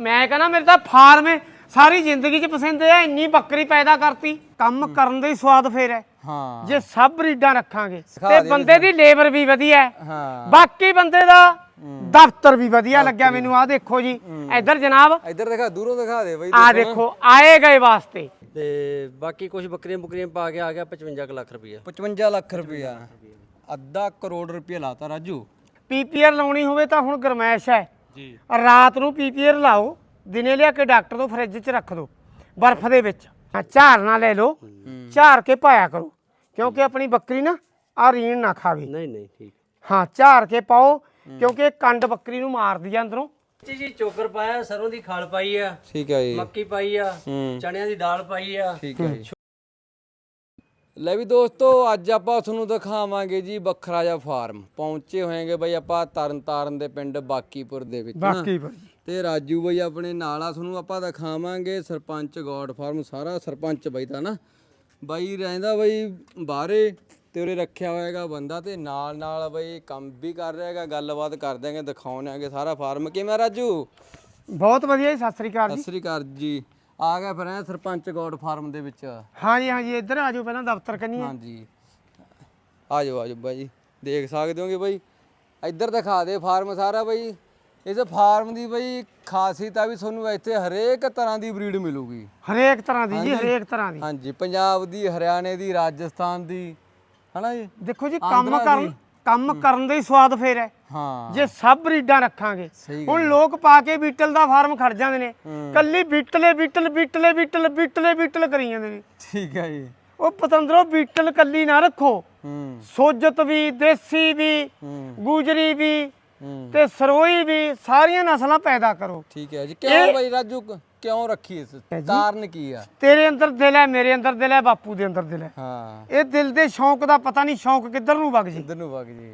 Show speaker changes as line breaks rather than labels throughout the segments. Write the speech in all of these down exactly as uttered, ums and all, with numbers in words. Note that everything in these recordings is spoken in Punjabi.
मैं कहना मेरे तो फार्म है सारी जिंदगी च पसंद है इन्नी बकरी पैदा करती काम करन दा ही स्वाद फेर है
हाँ
जे सब ब्रीडां रखांगे ते बंदे दी लेबर भी वधिया है
हाँ
बाकी बंदे दा दफ्तर भी वधिया लग्या मैनू आ देखो जी इधर जनाब
इधर दिखा दूरों दिखा दे बई
आ देखो आए गए वास्ते
ਤੇ ਬਾਕੀ ਕੁਝ ਬੱਕਰੀਆਂ ਬੁਕਰੀਆਂ ਪਾ ਕੇ ਆ ਗਿਆ पचवंजा ਲੱਖ ਰੁਪਈਆ
पचवंजा ਲੱਖ ਰੁਪਇਆ ਅੱਧਾ ਕਰੋੜ ਰੁਪਇਆ ਲਾਤਾ ਰਾਜੂ
ਪੀਪੀਆਰ ਲਾਉਣੀ ਹੋਵੇ ਤਾਂ ਹੁਣ ਗਰਮੈਸ਼ ਹੈ
ਜੀ
ਰਾਤ ਨੂੰ ਪੀਪੀਆਰ ਲਾਓ ਦਿਨੇ ਲਿਆ ਕੇ ਡਾਕਟਰ ਤੋਂ ਫਰਿੱਜ 'ਚ ਰੱਖ ਦਿਓ ਬਰਫ਼ ਦੇ ਵਿੱਚ ਝਾਰ ਨਾ ਲੈ ਲਓ ਝਾਰ ਕੇ ਪਾਇਆ ਕਰੋ ਕਿਉਂਕਿ ਆਪਣੀ ਬੱਕਰੀ ਨਾ ਆ ਰੀਣ ਨਾ ਖਾਵੇ
ਨਹੀਂ ਨਹੀਂ ਠੀਕ
ਹਾਂ ਝਾਰ ਕੇ ਪਾਓ ਕਿਉਂਕਿ ਇਹ ਕੰਡ ਬੱਕਰੀ ਨੂੰ ਮਾਰਦੀ ਆ ਅੰਦਰੋਂ
ਜੀ ਜੀ ਚੋਕਰ ਪਾਇਆ ਸਰੋਂ ਦੀ ਖਾਲ ਪਾਈ ਆ
ਠੀਕ ਹੈ ਜੀ
ਮੱਕੀ ਪਾਈ ਆ ਚਣਿਆਂ ਦੀ ਦਾਲ ਪਾਈ ਆ
ਠੀਕ ਹੈ ਜੀ ਲੈ ਵੀ ਦੋਸਤੋ ਅੱਜ ਆਪਾਂ ਤੁਹਾਨੂੰ ਦਿਖਾਵਾਂਗੇ ਜੀ ਵੱਖਰਾ ਜਿਹਾ ਫਾਰਮ ਪਹੁੰਚੇ ਹੋਏਗੇ ਬਈ ਆਪਾਂ ਤਰਨਤਾਰਨ ਦੇ ਪਿੰਡ ਬਾਕੀਪੁਰ ਦੇ ਵਿੱਚ ਨਾ।
ਬਾਕੀਪੁਰ
ਤੇ ਰਾਜੂ ਬਈ ਆਪਣੇ ਨਾਲ ਆ ਤੁਹਾਨੂੰ ਆਪਾਂ ਦਿਖਾਵਾਂਗੇ ਸਰਪੰਚ ਗੋਡ ਫਾਰਮ ਸਾਰਾ ਸਰਪੰਚ ਬਈ ਦਾ ਨਾ ਬਾਈ ਰਹਿੰਦਾ ਬਈ ਬਾਹਰੇ ਤੇ ਉਰੇ ਰੱਖਿਆ ਹੋਏਗਾ ਬੰਦਾ ਤੇ ਨਾਲ ਨਾਲ ਬਈ ਕੰਮ ਵੀ ਕਰ ਰਿਹਾ ਹੈਗਾ ਗੱਲਬਾਤ ਕਰ ਦਿਆਂਗੇ ਦਿਖਾਉਣਾਂਗੇ ਸਾਰਾ ਫਾਰਮ ਕਿਵੇਂ ਰਾਜੂ
ਬਹੁਤ ਵਧੀਆ ਜੀ ਸਤਿ ਸ੍ਰੀ ਅਕਾਲ
ਸਤਿ
ਜੀ
ਸ੍ਰੀ ਅਕਾਲ ਜੀ ਆ ਗਿਆ ਫਿਰ ਐ ਸਰਪੰਚ ਗੋਡ ਫਾਰਮ ਦੇ ਵਿੱਚ
ਹਾਂਜੀ ਹਾਂਜੀ ਇੱਧਰ ਆ ਜਾਓ ਪਹਿਲਾਂ ਦਫ਼ਤਰ ਕੰਨੀ
ਹਾਂਜੀ ਆ ਜਾਓ ਆ ਜਾਓ ਬਾਈ ਦੇਖ ਸਕਦੇ ਹੋਗੇ ਬਾਈ ਇੱਧਰ ਦਿਖਾ ਦੇ ਫਾਰਮ ਸਾਰਾ ਬਾਈ ਇਸ ਫਾਰਮ ਦੀ ਬਾਈ ਖਾਸੀਅਤ ਆ ਵੀ ਤੁਹਾਨੂੰ ਇੱਥੇ ਹਰੇਕ ਤਰ੍ਹਾਂ ਦੀ ਬਰੀਡ ਮਿਲੂਗੀ
ਹਰੇਕ ਤਰ੍ਹਾਂ ਦੀ ਜੀ ਹਰੇਕ ਤਰ੍ਹਾਂ ਦੀ
ਹਾਂਜੀ ਪੰਜਾਬ ਦੀ ਹਰਿਆਣੇ ਦੀ ਰਾਜਸਥਾਨ ਦੀ ਹਨਾ ਜੀ
ਦੇਖੋ ਜੀ ਕੰਮ ਕਰਨ ਕੰਮ ਕਰਨ ਦਾ ਹੀ ਸਵਾਦ ਫੇਰ ਹੈ
ਹਾਂ
ਜੇ ਸਭ ਬਰੀਡਾਂ ਰੱਖਾਂਗੇ ਹੁਣ ਲੋਕ ਪਾ ਕੇ ਬੀਟਲ ਦਾ ਫਾਰਮ ਖੜ ਜਾਂਦੇ ਨੇ ਕੱਲੀ ਬੀਟਲੇ ਬੀਟਲ ਬੀਟਲੇ ਬੀਟਲ ਬੀਟਲੇ ਬੀਟਲ ਕਰੀ ਜਾਂਦੇ ਨੇ
ਠੀਕ ਹੈ ਜੀ
ਉਹ ਪਤੰਦਰੋ ਬੀਟਲ ਕੱਲੀ ਨਾ ਰੱਖੋ
ਹੂੰ
ਸੋਜਤ ਵੀ ਦੇਸੀ ਵੀ ਗੁਜਰੀ ਵੀ
ਹੂੰ
ਤੇ ਸਰੋਈ ਵੀ ਸਾਰੀਆਂ ਨਸਲਾਂ ਪੈਦਾ ਕਰੋ
ਠੀਕ ਹੈ ਜੀ ਕਿਉਂ ਬਾਈ ਰਾਜੂ ਕਿਉਂ ਰੱਖੀ ਇਸ ਕਾਰਨ ਕੀ ਆ
ਤੇਰੇ ਅੰਦਰ ਦਿਲ ਹੈ ਮੇਰੇ ਅੰਦਰ ਦਿਲ ਹੈ ਬਾਪੂ ਦੇ ਅੰਦਰ ਦਿਲ ਹੈ
ਹਾਂ
ਇਹ ਦਿਲ ਦੇ ਸ਼ੌਂਕ ਦਾ ਪਤਾ ਨਹੀਂ ਸ਼ੌਂਕ ਕਿੱਧਰ ਨੂੰ ਵਗ ਜੀ
ਇੱਧਰ ਨੂੰ ਵਗ ਜੀ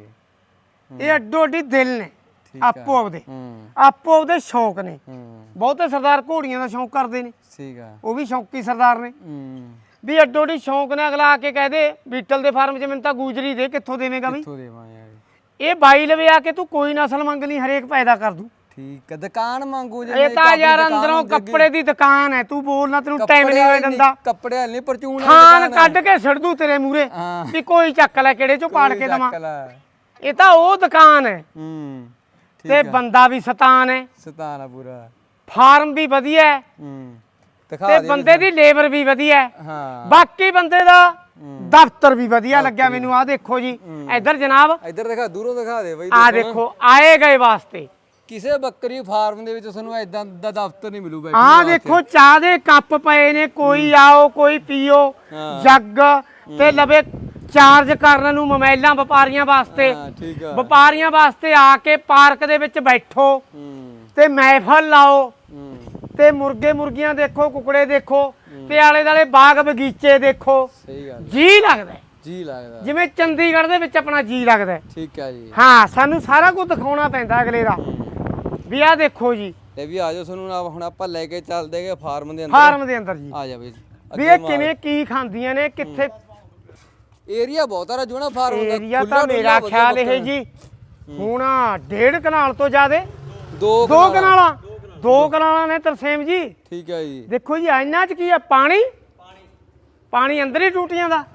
ਇਹ ਅੱਡੋ ਅੱਡੀ ਦਿਲ ਨੇ ਆਪੋ ਆਪਦੇ
ਹੂੰ
ਆਪੋ ਆਪਦੇ ਸ਼ੌਂਕ ਨੇ
ਹੂੰ
ਬਹੁਤੇ ਸਰਦਾਰ ਘੋੜੀਆਂ ਦਾ ਸ਼ੌਂਕ ਕਰਦੇ ਨੇ
ਠੀਕ ਆ
ਉਹ ਵੀ ਸ਼ੌਂਕੀ ਸਰਦਾਰ ਨੇ
ਹੂੰ
ਵੀ ਅੱਡੋ ਅੱਡੀ ਸ਼ੌਂਕ ਨੇ ਅਗਲਾ ਆ ਕੇ ਕਹਿ ਦੇ ਬੀਟਲ ਦੇ ਫਾਰਮ 'ਚ ਮੈਨੂੰ ਤਾਂ ਗੂਜਰੀ ਦੇ ਕਿੱਥੋਂ ਦੇਵੇਂਗਾ ਬਈ
ਕਿੱਥੋਂ ਦੇਵਾਂਗੇ
ਇਹ ਬਾਈ ਲਵੇ ਆ ਕੇ ਤੂੰ ਕੋਈ ਨਸਲ ਮੰਗ ਲਈ ਹਰੇਕ ਪੈਦਾ ਕਰ ਦੂ
ਠੀਕ ਹੈ ਦੁਕਾਨ ਮੰਗੂ ਜੇ
ਇਹ ਤਾਂ ਯਾਰ ਅੰਦਰੋਂ ਕੱਪੜੇ ਦੀ ਦੁਕਾਨ ਹੈ ਤੂੰ ਬੋਲਣਾ ਤੈਨੂੰ ਟਾਈਮ ਨਹੀਂ ਹੋਇਆ ਦਿੰਦਾ
ਕੱਪੜੇ ਨਹੀਂ ਪਰਚੂਨ
ਖਾਨ ਕੱਢ ਕੇ ਛੱਡ ਦੂ ਤੇਰੇ ਮੂਰੇ
ਹਾਂ।
ਵੀ ਕੋਈ ਚੱਕ ਲੈ ਕਿਹੜੇ ਚੋਂ ਪਾੜ ਕੇ ਦਵਾਂ
ਲੈ
ਇਹ ਤਾਂ ਉਹ ਦੁਕਾਨ ਹੈ
ਹੂੰ
ਤੇ ਬੰਦਾ ਵੀ ਸਤਾਨ ਹੈ
ਸਤਾਨਾ ਪੂਰਾ
ਫਾਰਮ ਵੀ ਵਧੀਆ ਹੈ
ਹੂੰ ਦਿਖਾ
ਤੇ
ਦੇ
ਬੰਦੇ ਦੀ ਲੇਬਰ ਵੀ ਵਧੀਆ ਹੈ
ਹਾਂ
ਬਾਕੀ ਬੰਦੇ ਦਾ ਦਫ਼ਤਰ ਵੀ ਵਧੀਆ ਲੱਗਿਆ ਮੈਨੂੰ ਆ ਦੇਖੋ ਜੀ ਇੱਧਰ ਜਨਾਬ
ਇੱਧਰ ਦਿਖਾ ਦੂਰੋਂ ਦਿਖਾ ਦੇ ਬਈ
ਆ ਦੇਖੋ ਆਏ ਗਏ ਵਾਸਤੇ
ਕਿਸੇ ਬੱਕਰੀ ਫਾਰਮ ਦੇ ਵਿੱਚ ਤੁਹਾਨੂੰ ਐਦਾਂ ਦਾ ਦਫ਼ਤਰ ਨਹੀਂ ਮਿਲੂ ਬੈਠੀ
ਆ ਦੇਖੋ ਚਾਹ ਦੇ ਕੱਪ ਪਏ ਨੇ ਕੋਈ ਆਓ ਕੋਈ ਪੀਓ ਜੱਗ ਤੇ ਲਵੇ ਚਾਰਜ ਕਰਨ ਨੂੰ ਮੋਬਾਈਲਾਂ ਵਪਾਰੀਆਂ ਵਾਸਤੇ
ਹਾਂ ਠੀਕ ਆ
ਵਪਾਰੀਆਂ ਵਾਸਤੇ ਆ ਕੇ ਪਾਰਕ ਦੇ ਵਿੱਚ ਬੈਠੋ
ਹੂੰ
ਤੇ ਮਹਿਫਲ ਲਾਓ
ਹੂੰ
ਤੇ ਮੁਰਗੇ ਮੁਰਗੀਆਂ ਦੇਖੋ ਕੁਕੜੇ ਦੇਖੋ ਤੇ ਆਲੇ ਦਾਲੇ ਬਾਗ ਬਗੀਚੇ ਦੇਖੋ
ਸਹੀ ਗੱਲ
ਜੀ ਲੱਗਦਾ ਹੈ।
ਜੀ ਲੱਗਦਾ
ਜਿਵੇਂ ਚੰਡੀਗੜ੍ਹ ਦੇ ਵਿੱਚ ਆਪਣਾ ਜੀ ਲੱਗਦਾ ਹੈ।
ਠੀਕ ਆ ਜੀ
ਹਾਂ ਸਾਨੂੰ ਸਾਰਾ ਕੁਝ ਦਿਖਾਉਣਾ ਪੈਂਦਾ ਅਗਲੇ ਦਾ ਵੀ ਆ ਦੇਖੋ ਜੀ
ਇਹ ਵੀ ਆਜੋ ਤੁਹਾਨੂੰ ਨਾ ਹੁਣ ਆਪਾਂ ਲੈ ਕੇ ਚੱਲਦੇਗੇ ਫਾਰਮ ਦੇ ਅੰਦਰ
ਫਾਰਮ ਦੇ ਅੰਦਰ ਜੀ
ਆ ਜਾ ਬਈ
ਵੀ ਇਹ ਕਿਵੇਂ ਕੀ ਖਾਂਦੀਆਂ ਨੇ ਕਿੱਥੇ
ਏਰੀਆ ਬਹੁਤ ਆ ਰਾਜੂ ਨਾ ਫਾਰਮ ਦਾ
ਏਰੀਆ ਤਾਂ ਮੇਰਾ ਖਿਆਲ ਇਹ ਜੀ ਹੁਣ ਡੇਢ ਕਨਾਲ ਤੋਂ ਜ਼ਿਆਦੇ
ਦੋ
ਦੋ ਕਨਾਲਾਂ ਦੋ ਕਨਾਲਾਂ ਨੇ ਤਰਸੇਮ ਜੀ
ਠੀਕ ਹੈ ਜੀ
ਦੇਖੋ ਜੀ ਇਹਨਾਂ 'ਚ ਕੀ ਆ ਪਾਣੀ ਪਾਣੀ ਅੰਦਰ ਹੀ ਟੂਟੀਆਂ ਦਾ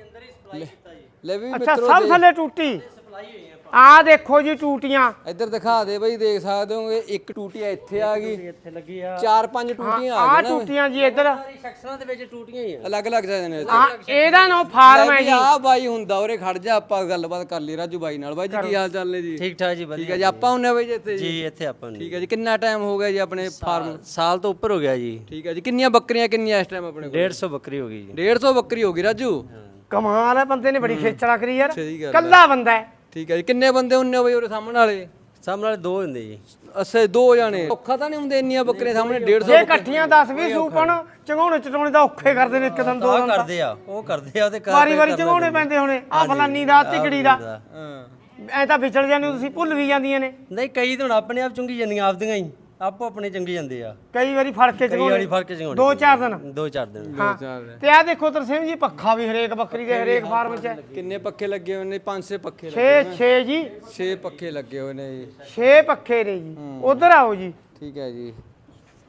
ਲੈ ਵੀ
ਅੱਛਾ
ਮਿੱਤਰੋ
ਸਭ ਥੱਲੇ ਟੂਟੀ ਆ ਦੇਖੋ ਜੀ ਟੂਟੀਆਂ
ਇੱਧਰ ਦਿਖਾ ਦੇ ਬਈ ਦੇਖ ਸਕਦੇ ਹੋਗੇ ਇੱਕ ਟੂਟੀ ਇੱਥੇ ਆ ਗਈ
ਇੱਥੇ ਲੱਗੀ ਆ
ਚਾਰ ਪੰਜ ਟੂਟੀਆਂ ਆ
ਆ
ਗਈਆਂ
ਟੂਟੀਆਂ ਜੀ ਇੱਧਰ
ਸਾਰੀ ਸੈਕਸ਼ਨਾਂ ਦੇ ਵਿੱਚ ਟੂਟੀਆਂ ਹੀ ਆ
ਅਲੱਗ ਅਲੱਗ ਜਾਂਦੇ ਨੇ
ਆ ਇਹਦਾ ਨਾਂ ਫਾਰਮ ਹੈ ਜੀ
ਆ ਬਾਈ ਹੁੰਦਾ ਉਰੇ ਖੜ ਜਾ ਆਪਾਂ ਗੱਲਬਾਤ ਕਰ ਲਈ ਰਾਜੂ ਬਾਈ ਨਾਲ ਬਾਈ ਜੀ ਕੀ ਹਾਲ ਚਾਲ ਨੇ ਜੀ
ਠੀਕ ਠਾਕ ਜੀ
ਠੀਕ ਹੈ
ਵਧੀਆ
ਜੀ ਆਪਾਂ ਹੁੰਨੇ ਬਾਈ ਜੀ ਇੱਥੇ ਜੀ
ਜੀ ਇੱਥੇ ਆਪਾਂ ਨੂੰ
ਠੀਕ ਹੈ ਜੀ ਕਿੰਨਾ ਟਾਈਮ ਹੋ ਗਿਆ ਜੀ ਆਪਣੇ ਫਾਰਮ
ਸਾਲ ਤੋਂ ਉੱਪਰ ਹੋ ਗਿਆ ਜੀ
ਠੀਕ ਹੈ ਜੀ ਕਿੰਨੀਆਂ ਬੱਕਰੀਆਂ ਕਿੰਨੀਆਂ ਇਸ ਟਾਈਮ ਆਪਣੇ ਕੋਲ
ਡੇਢ ਸੌ ਬੱਕਰੀ ਹੋ ਗਈ ਜੀ
ਡੇਢ ਸੌ ਬੱਕਰੀ ਹੋ ਗਈ ਰਾਜੂ
ਕਮਾਲ ਹੈ ਬੰਦੇ ਨੇ ਬੜੀ ਖੇਚੜਾ ਕਰੀ ਯਾਰ
ਸਹੀ ਗੱਲ
ਕੱਲਾ ਬੰਦਾ ਹੈ
ਠੀਕ ਹੈ ਜੀ ਕਿੰਨੇ ਬੰਦੇ ਹੁੰਨੇ ਹੋ ਬਈ ਉਰੇ ਸਾਹਮਣੇ ਵਾਲੇ
ਸਾਹਮਣੇ ਵਾਲੇ ਦੋ ਹੁੰਦੇ ਜੀ
ਅੱਛਾ ਦੋ ਜਾਣੇ ਔਖਾ ਤਾਂ ਨਹੀਂ ਹੁੰਦੇ ਇੰਨੀਆਂ ਬੱਕਰੀਆਂ ਸਾਹਮਣੇ ਡੇਢ ਸੌ
ਜੇ ਇਕੱਠੀਆਂ ਦਸ ਵੀਹ ਸੂਪਣ ਚੰਗਾਉਣੇ ਚਟਾਉਣੇ ਦਾ ਔਖੇ ਕਰਦੇ ਨੇ ਇੱਕ ਦਿਨ ਦੋ
ਉਹ
ਦਿਨ
ਕਰਦੇ ਆ ਉਹ ਕਰਦੇ ਆ ਉਹਦੇ ਘਰ
ਵਾਰੀ ਵਾਰੀ ਚੰਗਾਉਣੇ ਪੈਂਦੇ ਹੋਣੇ ਆ ਫਲਾਨੀ ਦਾ ਤਿਕੜੀ ਦਾ
ਹਾਂ
ਐ ਤਾਂ ਵਿਚਲ ਜਾਂਦੇ ਹੋ ਤੁਸੀਂ ਭੁੱਲ ਵੀ ਜਾਂਦੀਆਂ ਨੇ
ਨਹੀਂ ਕਈ ਤਾਂ ਹੁਣ ਆਪਣੇ ਆਪ ਚੁੰਗੀ ਜਾਂਦੀਆਂ ਆਪਦੀਆਂ ਹੀ ਆਪੋ ਆਪਣੇ ਚੰਗੀ ਜਾਂਦੇ ਆ
ਕਈ ਵਾਰੀ ਫੜ ਕੇ
ਕਈ ਵਾਰੀ
ਚੰਗਾਉਣੇ
ਫੜ ਕੇ ਚੰਗਾਉਣੇ
ਦੋ ਚਾਰ ਦਿਨ
ਦੋ ਚਾਰ ਦਿਨ
ਹਾਂ ਤੇ ਆ ਦੇਖੋ ਤਰਸੇਮ ਜੀ ਪੱਖਾ ਵੀ ਹਰੇਕ ਬੱਕਰੀ ਦੇ ਹਰੇਕ ਫਾਰਮ 'ਚ ਹੈ
ਕਿੰਨੇ ਪੱਖੇ ਲੱਗੇ ਹੋਏ ਨੇ ਪੰਜ ਛੇ ਪੱਖੇ ਲੱਗੇ
ਛੇ ਛੇ ਜੀ
ਛੇ ਪੱਖੇ ਲੱਗੇ ਹੋਏ ਨੇ ਜੀ
ਛੇ ਪੱਖੇ ਨੇ ਜੀ ਉਧਰ ਆਓ ਜੀ
ਠੀਕ ਹੈ ਜੀ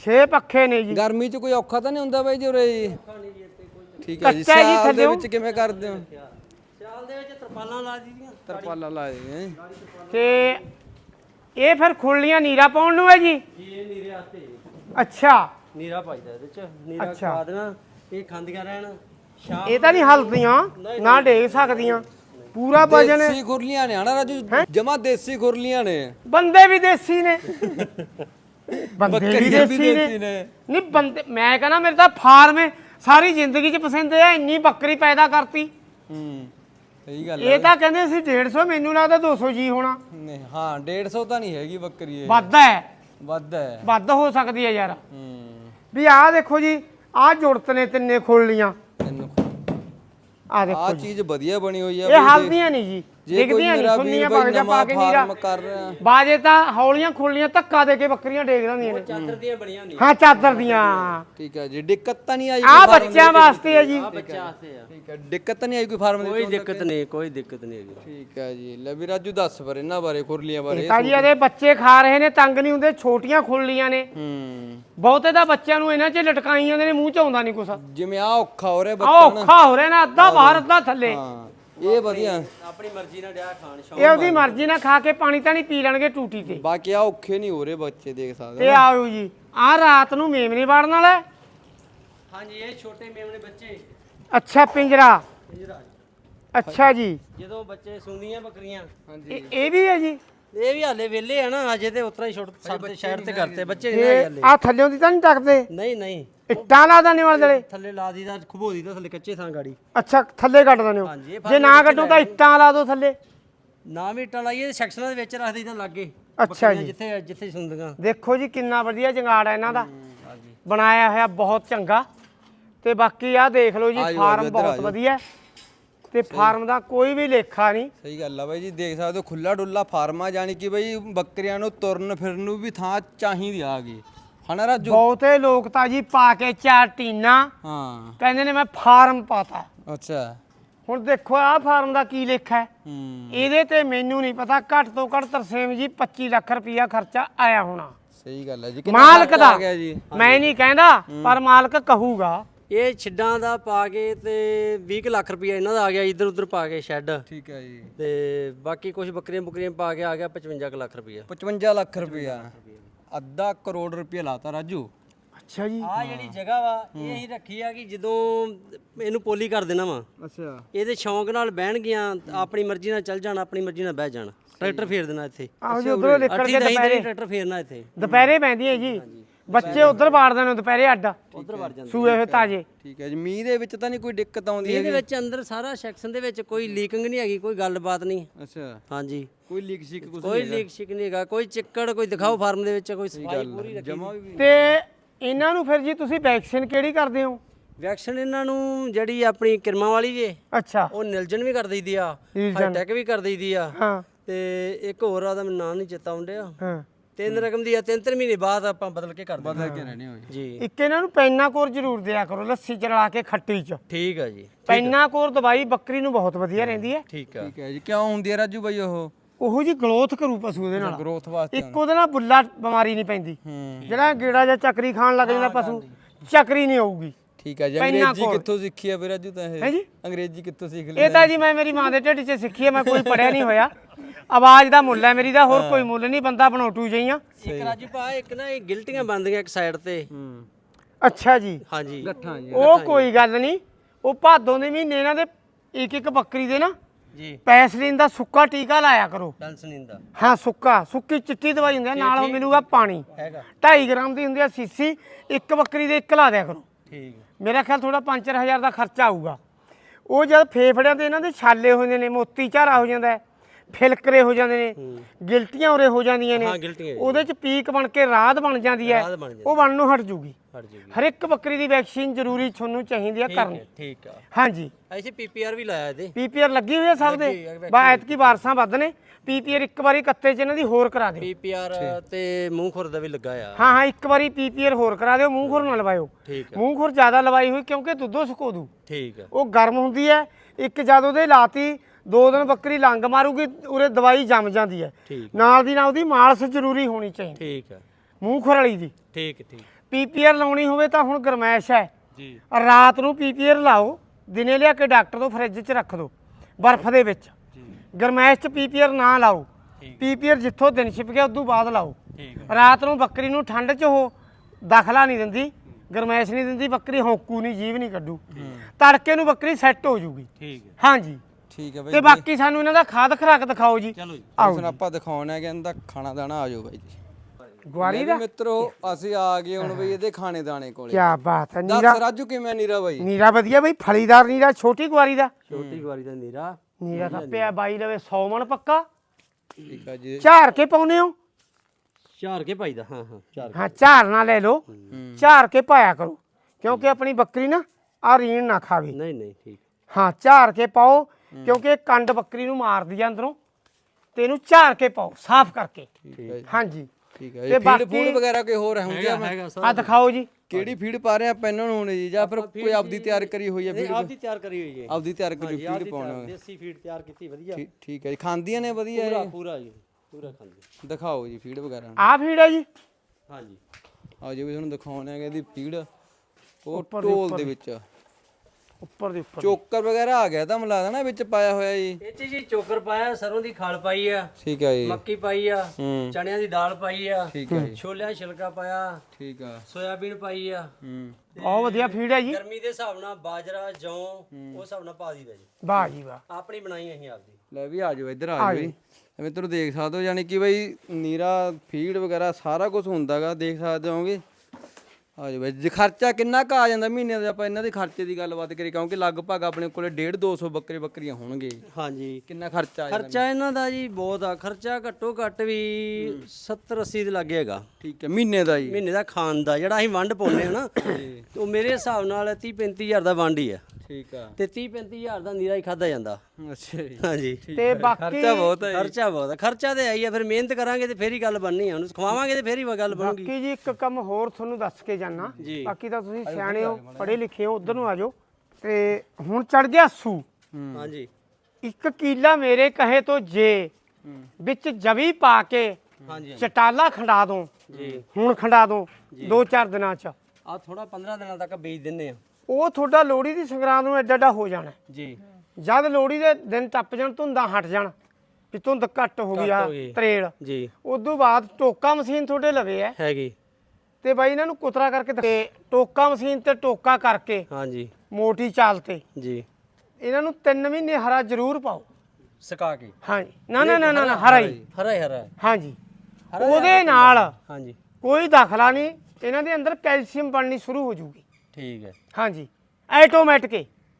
ਛੇ ਪੱਖੇ ਨੇ ਜੀ।
ਗਰਮੀ 'ਚ ਕੋਈ ਔਖਾ ਤਾਂ ਨਹੀਂ ਹੁੰਦਾ ਬਾਈ ਜੀ ਉਰੇ ਜੀ? ਠੀਕ ਹੈ ਜੀ।
ਕੱਚਾ ਜੀ
ਸਿਆਲ ਦੇ
ਥੱਲਿਓਂ।
ਵਿੱਚ ਕਿਵੇਂ ਕਰਦੇ ਹੋ?
ਸਿਆਲ ਦੇ ਵਿੱਚ ਤਰਪਾਲਾਂ ਲਾ ਦਿੱਤੀਆਂ
ਤਰਪਾਲਾਂ ਲਾਏ ਹੈ।
ਤੇ ਇਹ ਫਿਰ ਖੁਰਲੀਆਂ ਨੀਰਾ ਪਾਉਣ ਨੂੰ ਹੈ ਜੀ?
ਜੀ ਇਹ ਨੀਰੇ ਵਾਸਤੇ
ਅੱਛਾ,
ਨੀਰਾ ਪਾਈਦਾ ਇਹਦੇ ਚ ਨੀਰਾ
ਅੱਛਾ।
ਖਾ ਦੇਣਾ ਇਹ ਖਾਂਦੀਆਂ ਰਹਿਣ ਸ਼ਾਮ
ਇਹ ਤਾਂ ਨਹੀਂ ਹਲਦੀਆਂ ਨਾ ਡੇਗ ਸਕਦੀਆਂ, ਪੂਰਾ ਵਜਨ ਹੈ।
ਦੇਸੀ ਖੁਰਲੀਆਂ ਨੇ ਹਨਾ ਰਾਜੂ? ਜਮਾ ਦੇਸੀ ਖੁਰਲੀਆਂ ਨੇ।
ਬੰਦੇ ਵੀ ਦੇਸੀ ਨੇ, ਬੰਦੇ ਵੀ
ਬੱਕਰੀਆਂ ਵੀ
ਦੇਸੀ
ਦੇਸੀ
ਨੇ।
ਨੇ।
ਨਹੀਂ ਬੰਦੇ, ਮੈਂ ਕਹਿੰਦਾ ਮੇਰੇ ਤਾਂ ਫਾਰਮ ਹੈ ਸਾਰੀ ਜ਼ਿੰਦਗੀ ਚ ਪਸੰਦ ਆ, ਇੰਨੀ ਬੱਕਰੀ ਪੈਦਾ ਕਰਤੀ।
ਹੂੰ ਸਹੀ ਗੱਲ
ਇਹ
ਹੈ।
ਤਾਂ ਕਹਿੰਦੇ ਸੀ ਡੇਢ ਸੌ, ਮੈਨੂੰ ਲੱਗਦਾ ਦੋ ਸੌ ਜੀ ਹੋਣਾ।
ਨਹੀਂ ਹਾਂ ਡੇਢ ਸੌ ਤਾਂ ਨਹੀਂ ਹੈਗੀ ਬੱਕਰੀ ਇਹ।
ਵੱਧ ਹੈ,
ਵੱਧ ਹੈ।
ਵੱਧ ਹੋ ਸਕਦੀ ਹੈ ਯਾਰ।
ਹੂੰ
ਵੀ ਆਹ ਦੇਖੋ ਜੀ, ਆਹ ਜੁੜਤ ਨੇ ਤਿੰਨੇ ਖੋਲੀਆਂ,
ਤੈਨੂੰ
ਆਹ ਦੇਖੋ
ਆ
ਜੀ।
ਚੀਜ਼ ਵਧੀਆ ਬਣੀ ਹੋਈ ਆ
ਇਹ ਹਲਦੀਆਂ ਨਹੀਂ ਜੀ,
ਜੇ ਕੋਈ
ਡਿੱਗਦੀਆਂ ਨਹੀਂ,
ਮੇਰਾ
ਸੁੰਨੀਆਂ
ਵੀਰ
ਪਾ
ਬਾਈ
ਜਾ ਪਾ
ਨਵਾਂ
ਕੇ ਨੀਰਾ
ਫਾਰਮ ਕਰ ਰਿਹਾ।
ਬਾਜੇ ਤਾਂ ਹੌਲੀਆਂ ਖੁੱਲੀਆਂ ਧੱਕਾ ਦੇ ਕੇ ਬੱਕਰੀਆਂ ਡੇਗ ਦਿੰਦੀਆਂ ਨੇ।
ਚਾਦਰ ਦੀਆਂ ਬਣੀਆਂ ਹੁੰਦੀਆਂ
ਹਾਂ ਚਾਦਰ ਦੀਆਂ।
ਠੀਕ ਹੈ ਜੀ। ਦਿੱਕਤ ਤਾਂ ਨਹੀਂ ਆਈ
ਆਹ
ਕੋਈ ਫਾਰਮ
ਬੱਚਿਆਂ
ਦੇ ਵਿੱਚ?
ਵਾਸਤੇ ਹੈ ਜੀ।
ਆ ਬੱਚਾ ਆਸਤੇ ਆ
ਠੀਕ ਹੈ। ਦਿੱਕਤ ਤਾਂ ਨਹੀਂ ਆਈ ਕੋਈ ਫਾਰਮ ਦੇ
ਕੋਈ
ਵਿੱਚ?
ਦਿੱਕਤ ਨਹੀਂ ਕੋਈ ਦਿੱਕਤ ਨਹੀਂ ਹੈਗੀ
ਠੀਕ ਹੈ ਜੀ। ਲੈ ਵੀ ਰਾਜੂ ਦੱਸ ਫਿਰ ਇਹਨਾਂ ਬਾਰੇ, ਖੁਰਲੀਆਂ ਬਾਰੇ।
ਇਹ ਤਾਂ ਜੀ ਇਹਦੇ ਬੱਚੇ ਖਾ ਰਹੇ ਨੇ, ਤੰਗ ਨਹੀਂ ਹੁੰਦੇ, ਛੋਟੀਆਂ ਖੁੱਲੀਆਂ ਨੇ।
ਹੂੰ
ਬਹੁਤੇ ਤਾਂ ਬੱਚਿਆਂ ਨੂੰ ਇਹਨਾਂ 'ਚ ਲਟਕਾਈ ਜਾਂਦੇ ਨੇ, ਮੂੰਹ 'ਚ ਆਉਂਦਾ ਨਹੀਂ ਕੁਛ।
ਜਿਵੇਂ ਆ ਔਖਾ ਹੋ ਰਿਹਾ
ਆਹ
ਬੱਚਾ ਨਾ।
ਔਖਾ ਹੋ ਰਿਹਾ ਨਾ, ਅੱਧਾ ਬਾਹਰ ਅੱਧਾ ਥੱਲੇ।
ਹਾਂ ਇਹ ਵਧੀਆ।
ਆਪਣੀ ਮਰਜ਼ੀ ਨਾਲ ਡਿਆ ਖਾਣ ਸ਼ੌਂਕ
ਇਹ ਉਹਦੀ ਮਰਜ਼ੀ ਨਾਲ ਖਾ ਕੇ ਪਾਣੀ ਤਾਂ ਨਹੀਂ ਪੀ ਲੈਣਗੇ ਟੂਟੀ ਤੇ।
ਬਾਕੀ ਆ ਔਖੇ ਨਹੀਂ ਹੋ ਰਹੇ ਬੱਚੇ, ਦੇਖ ਸਕਦੇ
ਤੇ ਆਓ ਜੀ, ਆਹ ਰਾਤ ਨੂੰ ਮੇਮਣੇ ਵਾੜਨ ਵਾਲਾ ਹੈ।
ਹਾਂਜੀ ਇਹ ਛੋਟੇ ਮੇਮਣੇ ਬੱਚੇ
ਅੱਛਾ ਪਿੰਜਰਾ,
ਪਿੰਜਰਾ
ਅੱਛਾ ਜੀ।
ਜਦੋਂ ਬੱਚੇ ਸੁੰਦੀਆਂ ਬੱਕਰੀਆਂ
ਹਾਂਜੀ।
ਇਹ ਇਹ ਵੀ ਹੈ ਜੀ।
ਇਹ ਵੀ ਹਾਲੇ ਵਿਹਲੇ ਆ ਨਾ, ਅਜੇ ਤੇ ਉਤਰਾ ਹੀ ਛੋਟ ਸਾਡੇ ਸ਼ਹਿਰ ਤੇ ਕਰਤੇ ਬੱਚੇ ਨਹੀਂ ਹੈਗੇ
ਇਹ
ਹਾਲੇ।
ਆਹ ਥੱਲਿਓਂ ਦੀ ਤਾਂ ਨਹੀਂ ਟੱਕਦੇ,
ਨਹੀਂ ਨਹੀਂ
ਇੱਟਾਂ ਲਾ ਦਿੰਦੇ ਵਾਲੇ ਦਲੇ।
ਥੱਲੇ ਲਾ ਦੀਦਾ, ਖੁਬੋ ਦੀਦਾ ਥੱਲੇ ਕੱਚੇ ਥਾਂ ਗਾੜੀ।
ਅੱਛਾ ਥੱਲੇ ਕੱਟ ਦਿੰਦੇ ਹੋ,
ਹਾਂਜੀ, ਇਹ
ਜੇ ਨਾ ਕੱਟੋ ਤਾਂ ਇੱਟਾਂ ਲਾ ਦਿਓ ਥੱਲੇ।
ਨਾ ਵੀ ਇੱਟਾਂ ਲਾਈਏ ਸੈਕਸ਼ਨਾਂ ਦੇ ਵਿੱਚ ਰੱਖ ਦਈਦਾ ਲਾਗੇ।
ਅੱਛਾ
ਬੱਕਰੀਆਂ
ਜੀ।
ਜਿੱਥੇ ਜਿੱਥੇ ਸੁੰਦੀਆਂ।
ਦੇਖੋ ਜੀ ਕਿੰਨਾ ਵਧੀਆ ਜੰਗਾੜ ਹੈ ਇਹਨਾਂ ਦਾ,
ਹਾਂਜੀ
ਬਣਾਇਆ ਹੋਇਆ ਬਹੁਤ ਚੰਗਾ। ਤੇ ਬਾਕੀ ਆਹ ਦੇਖ ਲਓ ਜੀ,
ਆ ਜਾਓ,
ਫਾਰਮ
ਇੱਧਰ ਆ
ਬਹੁਤ
ਜਾਓ।
ਵਧੀਆ ਤੇ ਫਾਰਮ ਦਾ ਕੋਈ ਵੀ ਲੇਖਾ ਨਹੀਂ।
ਸਹੀ ਗੱਲ ਆ ਬਾਈ ਜੀ। ਦੇਖ ਸਕਦੇ ਹੋ ਖੁੱਲਾ ਡੁੱਲਾ ਫਾਰਮ ਆ, ਜਾਨੀ ਕਿ ਬਾਈ ਬੱਕਰੀਆਂ ਨੂੰ ਤੁਰਨ ਫਿਰਨ ਨੂੰ ਵੀ ਥਾਂ ਚਾਹੀਦੀ ਆ ਗਈ ਹਨਾ ਰਾਜੂ?
ਬਹੁਤੇ ਲੋਕ ਤਾਂ ਜੀ ਪਾ ਕੇ ਚਾਰ ਟੀਨਾ
ਹਾਂ
ਕਹਿੰਦੇ ਨੇ ਮੈਂ ਫਾਰਮ ਪਾਤਾ।
ਅੱਛਾ।
ਹੁਣ ਦੇਖੋ ਆਹ ਫਾਰਮ ਦਾ ਕੀ ਲੇਖਾ ਹੈ।
ਹੂੰ
ਇਹਦੇ ਤੇ ਮੈਨੂੰ ਨਹੀਂ ਪਤਾ, ਘੱਟ ਤੋਂ ਘੱਟ ਤਰਸੇਮ ਜੀ ਪੱਚੀ ਲੱਖ ਰੁਪਇਆ ਖਰਚਾ ਆਇਆ ਹੋਣਾ
ਸਹੀ ਗੱਲ ਹੈ ਜੀ। ਕਿੰਨਾ
ਮਾਲਕ
ਖਰਚਾ
ਦਾ।
ਆ ਗਿਆ ਜੀ?
ਮੈਂ ਨਹੀਂ ਕਹਿੰਦਾ, ਪਰ ਮਾਲਕ ਕਹੂਗਾ।
ਇਹ ਛਿੱਡਾਂ ਦਾ ਪਾ ਕੇ ਤੇ ਵੀਹ ਕੁ ਲੱਖ ਰੁਪਇਆ ਇਹਨਾਂ ਦਾ ਆ ਗਿਆ, ਇੱਧਰ ਉੱਧਰ ਪਾ ਕੇ ਸ਼ੈੱਡ।
ਠੀਕ ਹੈ ਜੀ।
ਤੇ ਬਾਕੀ ਕੁਝ ਬੱਕਰੀਆਂ ਬੁਕਰੀਆਂ ਪਾ ਕੇ ਆ ਗਿਆ ਪਚਵੰਜਾ ਕੁ ਲੱਖ ਰੁਪਇਆ।
ਪਚਵੰਜਾ ਲੱਖ ਰੁਪਇਆ, ਅੱਧਾ ਕਰੋੜ ਰੁਪਇਆ ਲਾਤਾ ਰਾਜੂ।
ਅੱਛਾ ਜੀ।
ਆ ਜਿਹੜੀ ਜਗ੍ਹਾ ਵਾ ਇਹ ਅਸੀਂ ਰੱਖੀ ਆ ਕਿ ਜਦੋਂ ਇਹਨੂੰ ਪੋਲੀ ਕਰ ਦੇਣਾ ਵਾ,
ਅੱਛਾ।
ਇਹਦੇ ਸ਼ੌਂਕ ਨਾਲ ਬਹਿਣਗੀਆਂ, ਆਪਣੀ ਮਰਜ਼ੀ ਨਾਲ ਚੱਲ ਜਾਣ, ਆਪਣੀ ਮਰਜ਼ੀ ਨਾਲ ਬਹਿ ਜਾਣ। ਟਰੈਕਟਰ ਫੇਰ ਦੇਣਾ ਇੱਥੇ,
ਆਹੋ ਜੀ, ਉਧਰੋਂ ਨਿਕਲ
ਅੱਠੀ
ਕੇ
ਦਹੀਂ
ਦੁਪਹਿਰੇ
ਟਰੈਕਟਰ ਫੇਰਨਾ ਇੱਥੇ,
ਦੁਪਹਿਰੇ ਪੈਂਦੀ ਹੈ ਜੀ। ਬੱਚੇ ਉਧਰ ਵਾੜਦੇ ਨੇ ਦੁਪਹਿਰੇ ਅੱਡ,
ਉਧਰ ਵੜ ਜਾਂਦੇ।
ਸੂਏ ਹੋਏ ਤਾਜੇ।
ਠੀਕ ਹੈ ਜੀ। ਮੀਂਹ ਦੇ ਵਿੱਚ ਤਾਂ ਨਹੀਂ ਕੋਈ ਦਿੱਕਤ ਆਉਂਦੀ
ਇਹਦੇ
ਹੈਗੀ?
ਵਿੱਚ ਅੰਦਰ ਸਾਰਾ ਸੈਕਸ਼ਨ ਦੇ ਵਿੱਚ ਕੋਈ ਲੀਕਿੰਗ ਨਹੀਂ ਹੈਗੀ, ਕੋਈ ਗੱਲਬਾਤ ਨਹੀਂ।
ਅੱਛਾ।
ਹਾਂਜੀ
ਕੋਈ ਲੀਕ ਸ਼ੀਕ ਕੁਝ
ਕੋਈ ਲੀਕ ਸ਼ਿਕ ਨਹੀਂ ਹੈਗਾ, ਕੋਈ ਚਿੱਕੜ ਕੋਈ ਦਿਖਾਓ ਫਾਰਮ ਦੇ ਵਿੱਚ, ਕੋਈ ਸਫਾਈ ਪੂਰੀ ਰੱਖੀ।
ਜਮਾ ਵੀ
ਤੇ ਇਹਨਾਂ ਨੂੰ ਫਿਰ ਜੀ ਤੁਸੀਂ ਵੈਕਸੀਨ ਕਿਹੜੀ ਕਰਦੇ ਹੋ?
ਵੈਕਸੀਨ ਇਹਨਾਂ ਨੂੰ ਜਿਹੜੀ ਆਪਣੀ ਕਿਰਮਾ ਵਾਲੀ ਜੇ,
ਅੱਛਾ
ਉਹ ਨਿਲਜਨ ਵੀ ਕਰ ਦਈਦੀ ਆ,
ਨਿਲਜਨ।
ਹਾਈਟੈਕ ਵੀ ਕਰ ਦਈਦੀ ਆ।
ਹਾਂ
ਤੇ ਇੱਕ ਹੋਰ ਆ ਦਾ ਮੈਨੂੰ ਨਾਂ ਨਹੀਂ ਚੇਤਾ ਆਉਂਦਿਆ,
ਹਾਂ।
ਤਿੰਨ ਰਕਮ ਦੀ ਆ, ਤਿੰਨ ਤਿੰਨ ਮਹੀਨੇ ਬਾਅਦ ਆਪਾਂ ਬਦਲ ਕੇ ਕਰ ਦਿੰਦੇ
ਬਦਲ ਕੇ ਰਹਿਣੇ ਹੋਏ।
ਜੀ।
ਇੱਕ ਇਹਨਾਂ ਨੂੰ ਪੈਨਾਕੋਰ ਜ਼ਰੂਰ ਦਿਆ ਕਰੋ, ਲੱਸੀ ਚ ਰਲਾ ਕੇ ਖੱਟੀ ਚ।
ਠੀਕ ਆ ਜੀ,
ਪੈਨਾਕੋਰ ਦਵਾਈ ਬੱਕਰੀ ਨੂੰ ਬਹੁਤ ਵਧੀਆ ਰਹਿੰਦੀ ਹੈ।
ਠੀਕ ਆ।
ਠੀਕ ਹੈ ਜੀ। ਕਿਉਂ ਹੁੰਦੀ ਹੈ ਰਾਜੂ ਬਾਈ ਉਹ?
ਉਹੋ ਜੀ ਗਲੋਥ ਕਰੂ ਪਸ਼ੂ ਉਹਦੇ ਨਾਲ,
ਗਰੋਥ ਵਾਸਤੇ।
ਇੱਕ ਉਹਦੇ ਨਾਲ ਬੁੱਲਾ ਬਿਮਾਰੀ ਨਹੀਂ ਪੈਂਦੀ।
ਹੂੰ
ਜਿਹੜਾ ਗੇੜਾ ਜਾਂ ਚੱਕਰੀ ਖਾਣ ਲੱਗ ਜਾਂਦਾ ਪਸ਼ੂ, ਚੱਕਰੀ ਨਹੀਂ ਆਊਗੀ।
ਠੀਕ ਹੈ ਜੀ।
ਪੈਨਾ
ਅੰਗਰੇਜ਼ੀ
ਕੋਲ।
ਕਿੱਥੋਂ ਸਿੱਖੀ ਆ ਫਿਰ ਰਾਜੂ ਤਾਂ ਇਹ?
ਹੈ ਜੀ।
ਅੰਗਰੇਜ਼ੀ ਕਿੱਥੋਂ ਸਿੱਖ ਲਈ?
ਇਹ ਤਾਂ ਜੀ ਮੈਂ ਮੇਰੀ ਮਾਂ ਦੇ ਢਿੱਡ 'ਚ ਸਿੱਖੀ ਹੈ, ਮੈਂ ਕੋਈ ਪੜਿਆ ਨਹੀਂ ਹੋਇਆ। ਆਵਾਜ਼ ਦਾ ਮੁੱਲ ਹੈ ਮੇਰੀ ਦਾ, ਹੋਰ ਕੋਈ ਮੁੱਲ ਨਹੀਂ, ਬੰਦਾ ਬਣਾਉਟੂ ਜਈਆਂ।
ਇੱਕ ਰਾਜੂ ਭਾ ਇੱਕ ਨਾ ਇਹ ਗਿਲਟੀਆਂ ਬਣਦੀਆਂ ਇੱਕ ਸਾਈਡ ਤੇ।
ਹੂੰ
ਅੱਛਾ ਜੀ।
ਹਾਂਜੀ
ਗੱਠਾਂ ਜੀ।
ਉਹ ਕੋਈ ਗੱਲ ਨਹੀਂ, ਉਹ ਭਾਦੋਂ ਦੇ ਮਹੀਨੇ ਇਹਨਾਂ ਦੇ ਇੱਕ ਇੱਕ ਬੱਕਰੀ ਦੇ ਨਾ
ਜੀ,
ਪੈਸਲੀਨ ਦਾ ਸੁੱਕਾ ਟੀਕਾ ਲਾਇਆ ਕਰੋ।
ਟੈਂਸ਼ਨ ਦਾ
ਹਾਂ ਸੁੱਕਾ, ਸੁੱਕੀ ਚਿੱਟੀ ਦਵਾਈ ਹੁੰਦੀ ਹੈ, ਨਾਲ ਉਹ ਮਿਲੂਗਾ ਪਾਣੀ।
ਹੈਗਾ।
ਢਾਈ ਗ੍ਰਾਮ ਦੀ ਹੁੰਦੀ ਹੈ ਸੀਸੀ, ਇੱਕ ਬੱਕਰੀ ਦੇ ਇੱਕ ਲਾ ਦਿਆ ਕਰੋ।
ਠੀਕ
ਮੇਰਾ ਖਿਆਲ ਥੋੜਾ ਪੰਜ ਚਾਰ ਹਜ਼ਾਰ ਦਾ ਖਰਚਾ ਆਊਗਾ। ਉਹ ਜਦ ਫੇਫੜਿਆਂ ਤੇ ਇਹਨਾਂ ਦੇ ਛਾਲੇ ਹੋ ਜਾਂਦੇ ਨੇ, ਮੋਤੀ ਝਾਰਾ ਹੋ ਜਾਂਦਾ ਹੈ, ਫਿਲਕਰੇ ਹੋ ਜਾਂਦੇ ਨੇ, ਗਿਲਟੀਆਂ ਉਰੇ ਹੋ ਜਾਂਦੀਆਂ ਨੇ,
ਹਾਂ ਗਿਲਟੀਆਂ
ਉਹਦੇ ਚ ਪੀਕ ਬਣ ਕੇ ਰਾਧ ਬਣ ਜਾਂਦੀ ਹੈ,
ਰਾਧ ਬਣ ਜਾਂਦੀ।
ਉਹ ਬਣਨ ਨੂੰ ਹਟ ਜੂਗੀ।
ਹਟ ਜੂਗੀ।
ਹਰ ਇੱਕ ਬੱਕਰੀ ਦੀ ਵੈਕਸੀਨ ਜ਼ਰੂਰੀ ਤੁਹਾਨੂੰ ਚਾਹੀਦੀ ਹੈ ਕਰਨੀ।
ਠੀਕ ਆ।
ਹਾਂਜੀ
ਐਸੇ ਪੀਪੀਆਰ ਵੀ ਲਾਇਆ ਇਹਦੇ।
ਪੀਪੀਆਰ ਲੱਗੀ ਹੋਈ ਹੈ ਸਭ ਦੇ,
ਲੱਗੀ ਹੈ,
ਬਾ ਐਤਕੀ ਵਾਰਸਾਂ ਵੱਧ ਨੇ। ਪੀਪੀਆਰ ਇੱਕ ਵਾਰੀ ਕੱਤੇ ਚ ਇਹਨਾਂ ਦੀ ਹੋਰ ਕਰਾ ਦਿਓ।
ਪੀਪੀਆਰ ਤੇ ਮੂੰਹ ਖੁਰ ਦਾ ਵੀ ਲੱਗਾ ਆ।
ਹਾਂ ਹਾਂ ਇੱਕ ਵਾਰੀ ਪੀਪੀਆਰ ਹੋਰ ਕਰਾ ਦਿਓ, ਮੂੰਹ ਖੁਰ ਨਾ ਲਵਾਇਓ।
ਠੀਕ ਆ।
ਮੂੰਹ ਖੁਰ ਜ਼ਿਆਦਾ ਲਵਾਈ ਹੋਈ ਕਿਉਂਕਿ ਦੁੱਧੋਂ ਸੁਕੋ ਦੂ,
ਠੀਕ ਆ।
ਉਹ ਗਰਮ ਹੁੰਦੀ ਹੈ। ਇੱਕ ਜਦ ਉਹਦੇ ਲਾਤੀ ਦੋ ਦਿਨ ਬੱਕਰੀ ਲੰਗ ਮਾਰੂਗੀ, ਉਰੇ ਦਵਾਈ ਜੰਮ ਜਾਂਦੀ ਹੈ।
ਠੀਕ
ਨਾਲ ਦੀ ਨਾਲ ਉਹਦੀ ਮਾਲਸ਼ ਜ਼ਰੂਰੀ ਹੋਣੀ ਚਾਹੀਦੀ,
ਠੀਕ ਆ।
ਮੂੰਹ ਖੁਰ ਵਾਲੀ ਦੀ।
ਠੀਕ ਠੀਕ।
ਪੀਪੀਆਰ ਲਾਉਣੀ ਹੋਵੇ ਤਾਂ ਹੁਣ ਗਰਮੈਸ਼ ਹੈ
ਜੀ
ਰਾਤ ਨੂੰ ਪੀਪੀਆਰ ਲਾਓ, ਦਿਨੇ ਲਿਆ ਕੇ ਡਾਕਟਰ ਤੋਂ ਫਰਿੱਜ 'ਚ ਰੱਖ ਦਿਓ ਬਰਫ਼ ਦੇ ਵਿੱਚ। ਗਰਮੈਸ਼ 'ਚ ਪੀਪੀਆਰ ਨਾ ਲਾਓ, ਪੀਪੀਆਰ ਜਿੱਥੋਂ ਦਿਨ ਛਿਪ ਗਿਆ ਉਦੋਂ ਬਾਅਦ ਲਾਓ। ਰਾਤ ਨੂੰ ਬੱਕਰੀ ਨੂੰ ਠੰਡ 'ਚ ਉਹ ਦਖਲਾ ਨਹੀਂ ਦਿੰਦੀ, ਗਰਮੈਸ਼ ਨਹੀਂ ਦਿੰਦੀ, ਬੱਕਰੀ ਹੌਂਕੂ ਨਹੀਂ, ਜੀਭ ਨਹੀਂ ਕੱਢੂ, ਤੜਕੇ ਨੂੰ ਬੱਕਰੀ ਸੈੱਟ ਹੋ ਜੂਗੀ।
ਠੀਕ ਹੈ
ਹਾਂਜੀ
ਠੀਕ ਹੈ ਬਾਈ
ਤੇ ਬਾਕੀ ਸਾਨੂੰ ਇਹਨਾਂ ਦਾ ਖਾਦ ਖੁਰਾਕ ਦਿਖਾਓ ਜੀ।
ਚਲੋ ਜੀ
ਆਓ
ਹੁਣ ਆਪਾਂ ਦਿਖਾਉਣਾ ਹੈ ਕਿ ਇਹਦਾ ਖਾਣਾ ਦਾਣਾ ਆ ਜਾਓ ਬਾਈ ਜੀ।
ਗਵਾਰੀ
ਲੈ
ਦਾ
ਵੀ ਮਿੱਤਰੋ ਅਸੀਂ ਆ ਗਏ ਹੁਣ ਬਈ ਇਹਦੇ ਖਾਣੇ ਦਾਣੇ ਕੋਲੇ।
ਕੀ ਬਾਤ ਹੈ। ਨੀਰਾ
ਦੱਸ ਰਾਜੂ ਕਿਵੇਂ ਨੀਰਾ ਬਾਈ?
ਨੀਰਾ ਵਧੀਆ ਬਈ, ਫਲੀਦਾਰ ਨੀਰਾ, ਛੋਟੀ ਗਵਾਰੀ ਦਾ
ਛੋਟੀ ਗਵਾਰੀ ਦਾ ਨੀਰਾ
ਨੀਰਾ ਤਾਂ ਪਿਆ ਬਾਈ ਲਵੇ ਸੌ ਮਣ ਪੱਕਾ।
ਠੀਕ ਆ ਜੀ।
ਝਾੜ ਕੇ ਪਾਉਨੇ ਹੋ?
ਚਾਰ ਕੇ ਪਾਈਦਾ। ਹਾਂ ਹਾਂ ਚਾਰ
ਹਾਂ ਝਾੜ ਨਾ ਲੈ ਲਓ, ਝਾੜ ਕੇ ਪਾਇਆ ਕਰੋ ਕਿਉਂਕਿ ਆਪਣੀ ਬੱਕਰੀ ਨਾ ਆ ਰੀਣ ਨਾ ਖਾਵੇ।
ਨਹੀਂ ਨਹੀਂ ਠੀਕ
ਹਾਂ ਝਾੜ ਕੇ ਪਾਓ ਕਿਉਂਕਿ ਇਹ ਕੰਡ ਬੱਕਰੀ ਨੂੰ ਮਾਰਦੀ ਆ ਅੰਦਰੋਂ, ਤੇ ਇਹਨੂੰ ਝਾੜ ਕੇ ਪਾਓ ਸਾਫ਼ ਕਰਕੇ।
ਠੀਕ ਹੈ ਜੀ।
ਹਾਂਜੀ
ਠੀਕ ਹੈ
ਤੇ
ਜੀ। ਫੀਡ
ਬਾਕੀ-
ਫੂਡ ਵਗੈਰਾ ਕੋਈ ਹੋਰ ਹੁੰਦੀ ਆ?
ਹੈਗਾ ਸਰ।
ਆ ਦਿਖਾਓ ਜੀ।
ਕਿਹੜੀ ਫੀਡ ਪਾ ਰਹੇ ਆਪਾਂ ਇਹਨਾਂ ਨੂੰ ਹੁਣ ਜੀ, ਜਾਂ ਫਿਰ ਕੋਈ ਆਪਦੀ ਤਿਆਰ ਕਰੀ ਹੋਈ ਹੈ
ਨਹੀਂ
ਫੀਡ?
ਆਪਦੀ ਤਿਆਰ ਕਰੀ ਹੋਈ ਹੈ।
ਆਪਦੀ ਤਿਆਰ ਕਰੀ
ਹਾਂਜੀ,
ਫੀਡ
ਆਪਦੀ
ਪਾਉਣਾ
ਤਿਆਰ-
ਹੋਵੇ।
ਦੇਸੀ ਫੀਡ ਤਿਆਰ ਕੀਤੀ ਵਧੀਆ।
ਠੀਕ- ਠੀਕ ਹੈ ਜੀ। ਖਾਂਦੀਆਂ ਨੇ ਵਧੀਆ
ਪੂਰਾ
ਇਹ?
ਪੂਰਾ ਜੀ ਪੂਰਾ ਖਾਂਦੀ।
ਦਿਖਾਓ ਜੀ ਫੀਡ ਵਗੈਰਾ।
ਆ ਫੀਡ ਹੈ ਜੀ।
ਹਾਂਜੀ
ਆ ਜੀ ਵੀ ਤੁਹਾਨੂੰ ਦਿਖਾਉਣਾ ਹੈ ਕਿ ਇਹਦੀ ਫੀਡ ਉਹ
ਉੱਪਰ ਦੀ
ਢੋਲ
ਉੱਪਰ
ਦੇ
ਦੀ।
ਵਿੱਚ
ਉੱਪਰ ਦੇ ਉੱਪਰ
ਚੋਕਰ ਵਗੈਰਾ ਆ ਗਿਆ ਤਾਂ ਮਿਲਾ ਦੇਣਾ ਵਿੱਚ ਪਾਇਆ ਹੋਇਆ ਜੀ।
ਇਹ 'ਚ ਜੀ ਚੋਕਰ ਪਾਇਆ, ਸਰੋਂ ਦੀ ਖਾਲ ਪਾਈ ਆ,
ਠੀਕ ਹੈ ਜੀ।
ਮੱਕੀ ਪਾਈ ਆ,
ਹੂੰ
ਚਣਿਆਂ ਦੀ ਦਾਲ ਪਾਈ ਆ,
ਠੀਕ ਹੈ ਜੀ।
ਛੋਲਿਆਂ ਦਾ ਛਿਲਕਾ ਪਾਇਆ,
ਠੀਕ ਆ।
ਸੋਇਆਬੀਨ ਪਾਈ ਆ।
ਹੂੰ
ਬਹੁਤ ਵਧੀਆ ਫੀਡ ਹੈ ਜੀ।
ਗਰਮੀ ਦੇ ਹਿਸਾਬ ਨਾਲ ਬਾਜਰਾ, ਜੌਂ ਉਹ ਹਿਸਾਬ ਨਾਲ ਪਾ ਦਈਦਾ ਜੀ।
ਵਾਹ ਜੀ ਵਾਹ।
ਆਪਣੀ ਬਣਾਈ ਅਸੀਂ ਆਪਦੀ।
ਲੈ ਵੀ ਆ ਜਾਓ ਇੱਧਰ ਆ ਜਾਓ ਜੀ। ਐਵੇਂ ਤੁਹਾਨੂੰ ਦੇਖ ਸਕਦੇ ਹੋ, ਯਾਨੀ ਕਿ ਬਈ ਨੀਰਾ ਫੀਡ ਵਗੈਰਾ ਸਾਰਾ ਕੁਝ ਹੁੰਦਾਗਾ, ਦੇਖ ਸਕਦੇ ਹੋਗੇ। ਆ ਜਾਓ ਬਈ। ਜੇ ਖਰਚਾ ਕਿੰਨਾ ਕੁ ਆ ਜਾਂਦਾ ਮਹੀਨੇ ਦਾ, ਆਪਾਂ ਇਹਨਾਂ ਦੇ ਖਰਚੇ ਦੀ ਗੱਲਬਾਤ ਕਰੀ ਕਿਉਂਕਿ ਲਗਭਗ ਆਪਣੇ ਕੋਲੇ ਡੇਢ ਦੋ ਸੌ ਬੱਕਰੇ ਬੱਕਰੀਆਂ ਹੋਣਗੇ।
ਹਾਂਜੀ
ਕਿੰਨਾ ਖਰਚਾ ਆ ਜਾਂਦਾ?
ਖਰਚਾ ਇਹਨਾਂ ਦਾ ਜੀ ਬਹੁਤ ਆ। ਖਰਚਾ ਘੱਟੋ ਘੱਟ ਵੀ ਸੱਤਰ ਅੱਸੀ ਦੇ ਲੱਗੇ ਹੈਗਾ
ਠੀਕ ਹੈ ਮਹੀਨੇ ਦਾ ਜੀ।
ਮਹੀਨੇ ਦਾ ਖਾਣ ਦਾ, ਜਿਹੜਾ ਅਸੀਂ ਵੰਡ ਪਾਉਂਦੇ ਹਾਂ ਨਾ, ਉਹ ਮੇਰੇ ਹਿਸਾਬ ਨਾਲ ਤੀਹ ਪੈਂਤੀ ਹਜ਼ਾਰ ਦਾ ਵੰਡ ਹੀ ਆ।
ਠੀਕ ਆ।
ਤੇ ਤੀਹ ਪੈਂਤੀ ਹਜ਼ਾਰ ਦਾ ਨੀਰਾ ਹੀ ਖਾਦਾ ਜਾਂਦਾ।
ਅੱਛਾ ਜੀ।
ਹਾਂਜੀ
ਤੇ ਬਾਕੀ
ਖਰਚਾ ਬਹੁਤ ਹੈ ਜੀ।
ਖਰਚਾ ਬਹੁਤ ਆ। ਖਰਚਾ ਤੇ ਆਈ ਆ, ਫਿਰ ਮਿਹਨਤ ਕਰਾਂਗੇ ਤੇ ਫੇਰ ਹੀ ਗੱਲ ਬਣਨੀ ਆ। ਉਹਨੂੰ ਖਵਾਵਾਂਗੇ ਤੇ ਫੇਰ ਹੀ ਗੱਲ ਬਣੂਗੀ।
ਬਾਕੀ ਜੀ ਇੱਕ ਕੰਮ ਹੋਰ ਤੁਹਾਨੂੰ ਦੱਸ ਕੇ ਜਾਣਾ,
ਜੀ।
ਬਾਕੀ ਤਾਂ ਤੁਸੀਂ ਸਿਆਣੇ ਹੋ, ਪੜ੍ਹੇ ਲਿਖੇ ਹੋ, ਉਧਰ ਨੂੰ ਆ ਜਾਓ। ਤੇ ਹੁਣ ਚੜ ਗਿਆ ਸੂ।
ਹਾਂਜੀ
ਇੱਕ ਕੀਲਾ ਮੇਰੇ ਕਹੇ ਤੋਂ ਜੇ ਵਿੱਚ ਜਵੀ ਪਾ ਕੇ
ਹਾਂਜੀ
ਚਟਾਲਾ ਖੰਡਾ ਦੋ
ਜੀ।
ਹੁਣ ਖੰਡਾ ਦੋ ਦੋ ਚਾਰ ਦਿਨਾਂ ਚ,
ਆ ਥੋੜਾ ਪੰਦਰਾਂ ਦਿਨਾਂ ਤੱਕ ਵੇਚ ਦਿੰਨੇ ਆ
ਉਹ ਤੁਹਾਡਾ ਲੋਹੜੀ ਦੀ ਸੰਗਰਾਂਦ ਨੂੰ ਐਡਾ ਐਡਾ ਹੋ ਜਾਣਾ।
ਜੀ।
ਜਦ ਲੋਹੜੀ ਦੇ ਦਿਨ ਟੱਪ ਜਾਣ, ਧੁੰਦਾਂ ਹਟ ਜਾਣ, ਵੀ ਧੁੰਦ ਘੱਟ ਹੋ ਗਈ ਆ
ਹੋ ਗਈ।
ਤਰੇੜ,
ਜੀ
ਉਦੋਂ ਬਾਅਦ ਟੋਕਾ ਮਸ਼ੀਨ ਤੁਹਾਡੇ ਲਵੇ ਹੈ
ਹੈਗੀ।
ਤੇ ਬਾਈ ਇਹਨਾਂ ਨੂੰ ਕੁਤਰਾ ਕਰਕੇ ਤੇ ਟੋਕਾ ਮਸ਼ੀਨ ਤੇ ਟੋਕਾ ਕਰਕੇ
ਹਾਂਜੀ
ਮੋਟੀ ਚਾਲ ਤੇ
ਜੀ।
ਇਹਨਾਂ ਨੂੰ ਤਿੰਨ ਮਹੀਨੇ ਹਰਾ ਜ਼ਰੂਰ ਪਾਓ।
ਸੁਕਾ ਕੇ।
ਹਾਂਜੀ ਨਾ ਨਾ ਨਾ ਨਾ ਨਾ, ਹਰਾ ਹੀ।
ਹਰਾ ਹੀ ਹਰਾ।
ਹਾਂਜੀ ਉਹਦੇ ਨਾਲ
ਹਾਂਜੀ
ਕੋਈ ਦਖਲਾ ਨਹੀਂ, ਇਹਨਾਂ ਦੇ ਅੰਦਰ ਕੈਲਸ਼ੀਅਮ ਬਣਨੀ ਸ਼ੁਰੂ ਹੋ ਜੂਗੀ।
ਠੀਕ ਹੈ।
ਹਾਂਜੀ ਆਟੋਮੈਟਿਕ।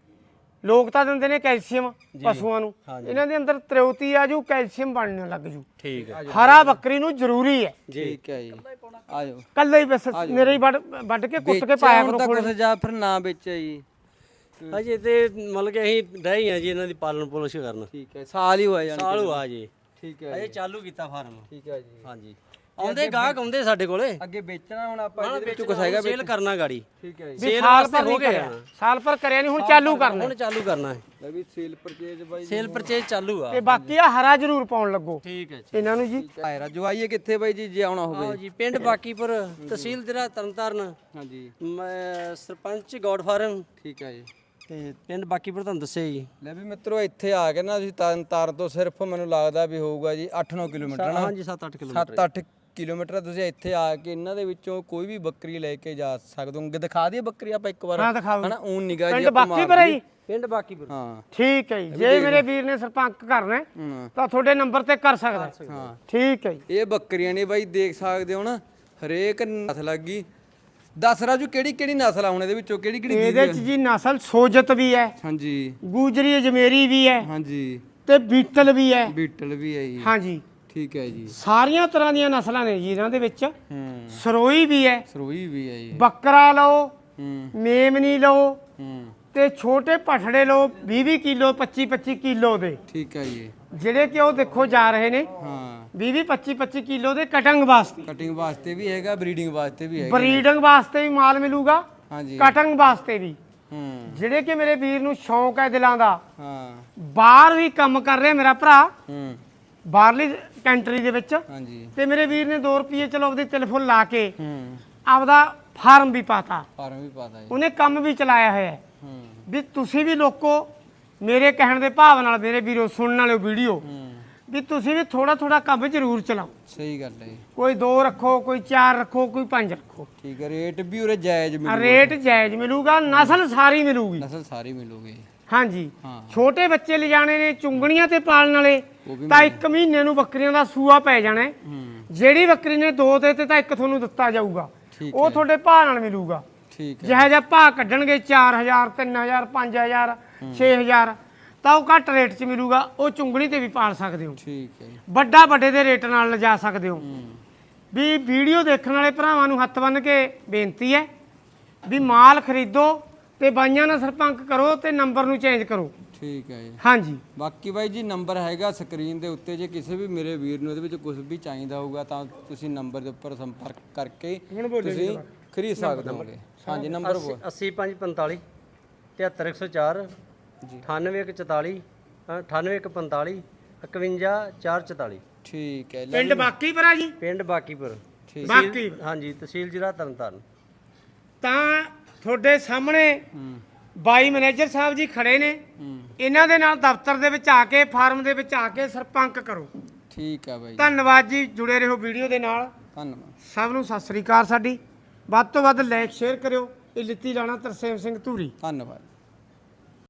ਲੋਕ ਤਾਂ ਦਿੰਦੇ ਨੇ ਕੈਲਸ਼ੀਅਮ ਪਸ਼ੂਆਂ ਨੂੰ, ਇਹਨਾਂ ਦੇ ਅੰਦਰ ਤਰੇਉਤੀ ਆ ਜੂ, ਕੈਲਸ਼ੀਅਮ ਬਣਨ ਲੱਗ ਜੂ।
ਠੀਕ ਹੈ
ਹਰਾ ਬੱਕਰੀ ਨੂੰ ਜ਼ਰੂਰੀ ਹੈ।
ਠੀਕ ਹੈ ਜੀ। ਆ ਜਾਓ।
ਕੱਲੇ ਹੀ ਬਸ ਮੇਰੇ ਹੀ ਵੱਢ ਵੱਢ ਕੇ ਕੁੱਟ ਕੇ ਪਾਇਆ ਕਰੋ
ਹੁਣ
ਕੋਲ।
ਤੱਕ ਜਾਂ ਫਿਰ ਨਾ ਵੇਚਿਆ ਜੀ?
ਅਜੇ ਤੇ ਮਤਲਬ ਕਿ ਅਸੀਂ ਰਹਿ ਹੀ ਆ ਜੀ ਇਹਨਾਂ ਦੀ ਪਾਲਣ ਪੋਸ਼ਣ ਕਰਨ।
ਠੀਕ ਹੈ ਸਾਲ ਹੀ ਹੋਇਆ ਜਾਨੀ।
ਸਾਲ ਹੋਆ ਜੀ।
ਠੀਕ ਹੈ
ਅਜੇ ਚਾਲੂ ਕੀਤਾ ਫਾਰਮ।
ਠੀਕ ਹੈ ਜੀ।
ਹਾਂਜੀ ਆਉਂਦੇ ਗਾਹਕ ਆਉਂਦੇ ਸਾਡੇ ਕੋਲੇ।
ਅੱਗੇ ਵੇਚਣਾ ਹੁਣ ਆਪਾਂ ਇਹਦੇ ਵਿੱਚ
ਵਿੱਚ
ਕੁਛ ਹੈਗਾ?
ਸੇਲ ਕਰਨਾ ਗਾੜੀ।
ਠੀਕ ਹੈ ਜੀ।
ਵੀ
ਸੇਲ
ਸਾਲ
ਵਾਸਤੇ
ਪਰ
ਹੋ
ਨਹੀਂ
ਗਏ
ਕਰਿਆ,
ਆ।
ਸਾਲ ਪਰ ਕਰਿਆ ਨਹੀਂ, ਹੁਣ ਚਾਲੂ ਕਰਨਾ।
ਹੁਣ ਚਾਲੂ ਕਰਨਾ ਹੈ।
ਲੈ ਵੀ ਸੇਲ ਪਰਚੇਜ ਬਾਈ।
ਸੇਲ ਪਰਚੇਜ ਚਾਲੂ ਆ।
ਤੇ ਬਾਕੀ ਆ ਹਰਾ ਜ਼ਰੂਰ ਪਾਉਣ ਲੱਗੋ
ਠੀਕ ਹੈ ਜੀ।
ਇਹਨਾਂ ਨੂੰ ਜੀ।
ਆਏ ਰਾਜੂ ਆਈਏ ਕਿੱਥੇ ਬਾਈ ਜੀ ਜੇ ਆਉਣਾ
ਆਓ
ਹੋਵੇ?
ਜੀ ਪਿੰਡ ਬਾਕੀਪੁਰ, ਤਹਿਸੀਲ ਜ਼ਿਲ੍ਹਾ ਤਰਨਤਾਰਨ,
ਹਾਂਜੀ
ਮੈਂ ਸਰਪੰਚ ਗੌਡ ਫਾਰਮ
ਠੀਕ ਹੈ ਜੀ।
ਤੇ ਪਿੰਡ ਬਾਕੀਪੁਰ ਤੁਹਾਨੂੰ ਦੱਸਿਆ ਜੀ।
ਲੈ ਵੀ ਮਿੱਤਰੋ ਇੱਥੇ ਆ ਕੇ ਨਾ ਤੁਸੀਂ ਤਰਨ ਤਾਰਨ ਤੋਂ ਸਿਰਫ ਮੈਨੂੰ ਲੱਗਦਾ ਵੀ ਹੋਊਗਾ ਜੀ ਅੱਠ ਨੌ ਕਿਲੋਮੀਟਰ ਨਾ।
ਹਾਂਜੀ ਸੱਤ ਅੱਠ ਕਿਲੋਮੀਟਰ।
ਸੱਤ ਅੱਠ ਕਿਲੋਮੀਟਰ ਤੁਸੀਂ ਇੱਥੇ ਆ ਕੇ ਇਹਨਾਂ ਦੇ ਵਿੱਚੋਂ ਕੋਈ ਵੀ ਬੱਕਰੀ ਲੈ ਕੇ ਜਾ ਸਕਦੇ ਹੋ। ਦਿਖਾ ਦਈਏ ਬੱਕਰੀ ਆਪਾਂ ਇੱਕ ਵਾਰ?
ਹਾਂ ਦਿਖਾਓ।
ਹਨਾ ਊਨ ਨਿਗਾਹ ਜੀ
ਪਿੰਡ
ਆਪਾਂ
ਬਾਕੀ
ਮਾਰ
ਪਰ ਹੈ
ਦਈਏ।
ਜੀ।
ਪਿੰਡ ਬਾਕੀਪੁਰ।
ਹਾਂ
ਠੀਕ ਹੈ ਜੀ। ਜੇ ਮੇਰੇ ਵੀਰ ਨੇ ਸਰਪੰਚ ਕਰਨਾ ਹੈ,
ਹਾਂ
ਤਾਂ ਤੁਹਾਡੇ ਨੰਬਰ ਤੇ ਕਰ ਸਕਦਾ ਹੈ।
ਹਾਂ।
ਠੀਕ ਹੈ ਜੀ।
ਇਹ ਬੱਕਰੀਆਂ ਨੇ ਬਾਈ ਦੇਖ ਸਕਦੇ ਹੋ ਨਾ, ਹਰੇਕ ਨਸਲ ਲੱਗੀ। ਦੱਸ ਰਾਜੂ ਕਿਹੜੀ ਕਿਹੜੀ ਨਸਲ ਆ ਹੁਣ ਇਹਦੇ ਵਿੱਚੋਂ, ਕਿਹੜੀ ਕਿਹੜੀ
ਇਹਦੇ ਚ ਜੀ ਨਸਲ ਸੋਜਤ ਵੀ ਹੈ,
ਹਾਂਜੀ
ਗੂਜਰੀ ਅਜਮੇਰੀ ਵੀ ਹੈ,
ਹਾਂਜੀ
ਤੇ ਬੀਟਲ ਵੀ ਹੈ।
ਬੀਟਲ ਵੀ ਹੈ ਜੀ।
ਹਾਂਜੀ
ਠੀਕ ਹੈ ਜੀ।
ਸਾਰੀਆਂ ਤਰ੍ਹਾਂ ਦੀਆਂ ਨਸਲਾਂ ਨੇ ਜੀ ਇਹਨਾਂ ਦੇ ਵਿੱਚ।
ਹੂੰ
ਸਰੋਈ ਵੀ ਹੈ,
ਸਰੋਈ ਵੀ ਹੈ ਜੀ।
ਬੱਕਰਾ ਲਓ,
ਹੂੰ
ਮੇਮਨੀ ਲਓ,
ਹੂੰ
ਤੇ ਛੋਟੇ ਪਠੜੇ ਲਓ ਵੀਹ ਵੀਹ ਕਿਲੋ ਪੱਚੀ ਪੱਚੀ ਕਿਲੋ ਦੇ,
ਠੀਕ ਹੈ ਜੀ।
ਜਿਹੜੇ ਕਿ ਉਹ ਦੇਖੋ ਜਾ ਰਹੇ ਨੇ
ਹਾਂ
ਵੀਹ ਵੀਹ ਪੱਚੀ ਪੱਚੀ ਕਿਲੋ ਦੇ ਕਟਿੰਗ ਵਾਸਤੇ।
ਕਟਿੰਗ ਵਾਸਤੇ ਵੀ ਹੈਗਾ, ਬਰੀਡਿੰਗ ਵਾਸਤੇ ਵੀ ਹੈਗਾ।
ਬਰੀਡਿੰਗ ਵਾਸਤੇ ਵੀ ਮਾਲ ਮਿਲੂਗਾ,
ਹਾਂਜੀ
ਕਟਿੰਗ ਵਾਸਤੇ ਵੀ।
ਹੂੰ
ਜਿਹੜੇ ਕਿ ਮੇਰੇ ਵੀਰ ਨੂੰ ਸ਼ੌਂਕ ਹੈ ਦਿਲਾਂ ਦਾ,
ਹਾਂ
ਬਾਹਰ ਵੀ ਕੰਮ ਕਰ ਰਿਹਾ ਮੇਰਾ ਭਰਾ,
ਹੂੰ
ਬਾਹਰਲੀ ਕੰਟਰੀ ਦੇ ਵਿੱਚ,
ਹਾਂਜੀ
ਤੇ ਮੇਰੇ ਵੀਰ ਨੇ ਦੋ ਰੁਪਏ ਚਲੋ ਆਪਦੀ ਟੈਲੀਫੋਨ ਲਾ ਕੇ
ਹੂੰ
ਆਪਦਾ ਫਾਰਮ ਵੀ ਪਾਤਾ,
ਫਾਰਮ ਵੀ ਪਾਤਾ ਜੀ।
ਉਹਨੇ ਕੰਮ ਵੀ ਚਲਾਇਆ ਹੋਇਆ ਹੈ।
ਹੂੰ
ਵੀ ਤੁਸੀਂ ਵੀ ਲੋਕੋ ਮੇਰੇ ਕਹਿਣ ਦੇ ਭਾਵ ਨਾਲ ਮੇਰੇ ਵੀਰੋ ਸੁਣਨ ਵਾਲਿਓ ਵੀਡੀਓ
ਹੂੰ
ਵੀ ਤੁਸੀਂ ਵੀ ਥੋੜਾ ਥੋੜਾ ਕੰਮ ਜ਼ਰੂਰ ਚਲਾਓ।
ਸਹੀ ਗੱਲ ਹੈ ਜੀ।
ਕੋਈ ਦੋ ਰੱਖੋ, ਕੋਈ ਚਾਰ ਰੱਖੋ, ਕੋਈ ਪੰਜ ਰੱਖੋ।
ਠੀਕ ਹੈ, ਰੇਟ ਵੀ ਉਰੇ ਜਾਇਜ਼ ਮਿਲੂਗਾ,
ਰੇਟ ਜਾਇਜ਼ ਮਿਲੂਗਾ, ਨਸਲ ਸਾਰੀ ਮਿਲੂਗੀ।
ਨਸਲ ਸਾਰੀ ਮਿਲੂਗੀ।
ਹਾਂਜੀ
ਹਾਂ
ਛੋਟੇ ਬੱਚੇ ਲਿਜਾਣੇ ਨੇ ਚੁੰਗਣੀਆਂ ਤੇ ਪਾਲਣ ਵਾਲੇ
ਉਹ ਵੀ
ਤਾਂ ਇੱਕ ਮਹੀਨੇ ਨੂੰ ਬੱਕਰੀਆਂ ਦਾ ਸੂਆ ਪੈ ਜਾਣਾ ਹੈ।
ਹੂੰ
ਜਿਹੜੀ ਬੱਕਰੀ ਨੇ ਦੋ ਦੇ ਤੇ ਤਾਂ ਇੱਕ ਤੁਹਾਨੂੰ ਦਿੱਤਾ ਜਾਊਗਾ,
ਠੀਕ
ਉਹ ਤੁਹਾਡੇ ਭਾਅ ਨਾਲ ਮਿਲੂਗਾ।
ਠੀਕ ਹੈ
ਜਿਹੋ ਜਿਹਾ ਭਾਅ ਕੱਢਣਗੇ ਚਾਰ ਹਜ਼ਾਰ ਤਿੰਨ ਹਜ਼ਾਰ ਪੰਜ ਹਜ਼ਾਰ ਛੇ ਹਜ਼ਾਰ ਤਾਂ ਉਹ ਘੱਟ ਰੇਟ 'ਚ ਮਿਲੂਗਾ। ਉਹ ਚੁੰਗਣੀ ਤੇ ਵੀ ਪਾਲ ਸਕਦੇ ਹੋ,
ਠੀਕ ਹੈ ਜੀ।
ਵੱਡਾ ਵੱਡੇ ਦੇ ਰੇਟ ਨਾਲ ਲਿਜਾ ਸਕਦੇ ਹੋ।
ਹੂੰ
ਵੀ ਵੀਡੀਓ ਦੇਖਣ ਵਾਲੇ ਭਰਾਵਾਂ ਨੂੰ ਹੱਥ ਬੰਨ੍ਹ ਕੇ ਬੇਨਤੀ ਹੈ ਵੀ ਮਾਲ ਖਰੀਦੋ ਤੇ ਬਾਈਆਂ ਨਾਲ ਸੰਪਰਕ ਕਰੋ ਤੇ ਨੰਬਰ ਨੂੰ ਚੇਂਜ ਕਰੋ।
ਠੀਕ ਹੈ ਜੀ।
ਹਾਂਜੀ
ਬਾਕੀ ਬਾਈ ਜੀ ਨੰਬਰ ਹੈਗਾ ਸਕਰੀਨ ਦੇ ਉੱਤੇ, ਜੇ ਕਿਸੇ ਵੀ ਮੇਰੇ ਵੀਰ ਨੂੰ ਇਹਦੇ ਵਿੱਚ ਕੁਝ ਵੀ ਚਾਹੀਦਾ ਹੋਊਗਾ ਤਾਂ ਤੁਸੀਂ ਨੰਬਰ ਦੇ ਉੱਪਰ ਸੰਪਰਕ ਕਰਕੇ ਤੁਸੀਂ ਖਰੀਦ ਸਕਦੇ ਹੋਗੇ। ਹਾਂਜੀ ਨੰਬਰ ਬੋਲ।
ਅੱਸੀ ਪੰਜ ਪੰਤਾਲੀ ਤਿਹੱਤਰ ਇੱਕ ਸੌ ਚਾਰ
ਜੀ
ਅਠਾਨਵੇਂ ਇੱਕ ਚੁਤਾਲੀ ਅਠਾਨਵੇਂ ਇੱਕ ਪੰਤਾਲੀ ਇਕਵੰਜਾ ਚਾਰ ਚੁਤਾਲੀ।
ਠੀਕ ਹੈ। ਲੈ
ਪਿੰਡ ਬਾਕੀਪੁਰਾ ਜੀ,
ਪਿੰਡ ਬਾਕੀਪੁਰ,
ਠੀਕ
ਬਾਕੀ
ਹਾਂਜੀ ਤਹਿਸੀਲ ਜ਼ਿਲ੍ਹਾ ਤਰਨਤਾਰਨ।
ਤਾਂ ਤੁਹਾਡੇ ਸਾਹਮਣੇ
ਹੂੰ
ਬਾਈ ਮੈਨੇਜਰ ਸਾਹਿਬ ਜੀ ਖੜੇ ਨੇ।
ਹੂੰ
ਇਹਨਾਂ ਦੇ ਨਾਲ ਦਫ਼ਤਰ ਦੇ ਵਿੱਚ ਆ ਕੇ ਫਾਰਮ ਦੇ ਵਿੱਚ ਆ ਕੇ ਸੰਪਰਕ ਕਰੋ।
ਠੀਕ ਹੈ ਬਾਈ,
ਧੰਨਵਾਦ ਜੀ, ਜੁੜੇ ਰਹੋ ਵੀਡੀਓ ਦੇ ਨਾਲ।
ਧੰਨਵਾਦ।
ਸਭ ਨੂੰ ਸਤਿ ਸ੍ਰੀ ਅਕਾਲ। ਸਾਡੀ ਵੱਧ ਤੋਂ ਵੱਧ ਲਾਈਕ ਸ਼ੇਅਰ ਕਰਿਓ। ਇਹ ਲਿੱਤੀ ਲਾਣਾ ਤਰਸੇਮ ਸਿੰਘ ਧੂਰੀ।
ਧੰਨਵਾਦ।